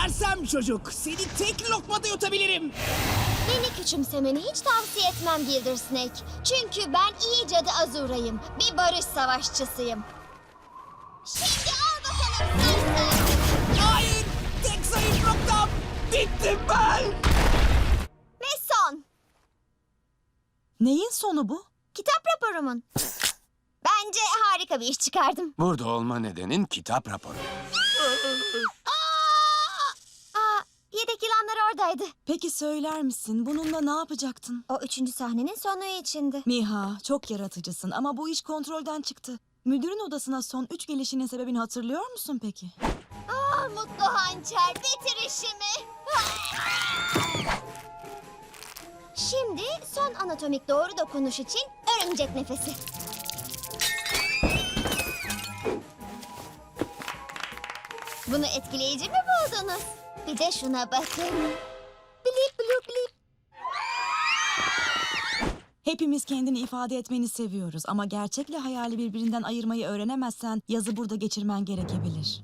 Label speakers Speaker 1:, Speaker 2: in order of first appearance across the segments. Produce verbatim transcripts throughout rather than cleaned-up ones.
Speaker 1: Sersem çocuk, seni tek lokmada yutabilirim.
Speaker 2: Beni küçümsemeni hiç tavsiye etmem Gilder Snake. Çünkü ben iyi cadı Azura'yım. Bir barış savaşçısıyım. Şimdi al bakalım sersem.
Speaker 1: Hayır, tek zayıf noktam. Bittim ben.
Speaker 2: Ve son.
Speaker 3: Neyin sonu bu?
Speaker 2: Kitap raporumun. Bence harika bir iş çıkardım.
Speaker 4: Burada olma nedenin kitap raporu.
Speaker 2: Aa, yedek yılanlar oradaydı.
Speaker 3: Peki söyler misin bununla ne yapacaktın?
Speaker 2: O üçüncü sahnenin sonu içindi.
Speaker 3: Miha, çok yaratıcısın ama bu iş kontrolden çıktı. Müdürün odasına son üç gelişinin sebebini hatırlıyor musun peki?
Speaker 2: Aa, mutlu hançer, bitir işimi. Şimdi son anatomik doğru dokunuş için örümcek nefesi. Bunu etkileyici mi buldunuz? Bir de şuna bakın. Blip blip blip.
Speaker 3: Hepimiz kendini ifade etmeni seviyoruz ama gerçekle hayali birbirinden ayırmayı öğrenemezsen yazı burada geçirmen gerekebilir.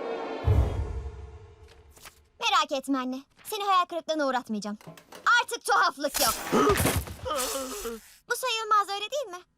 Speaker 2: Merak etme anne. Seni hayal kırıklığına uğratmayacağım. Artık tuhaflık yok. Bu sayılmaz öyle değil mi?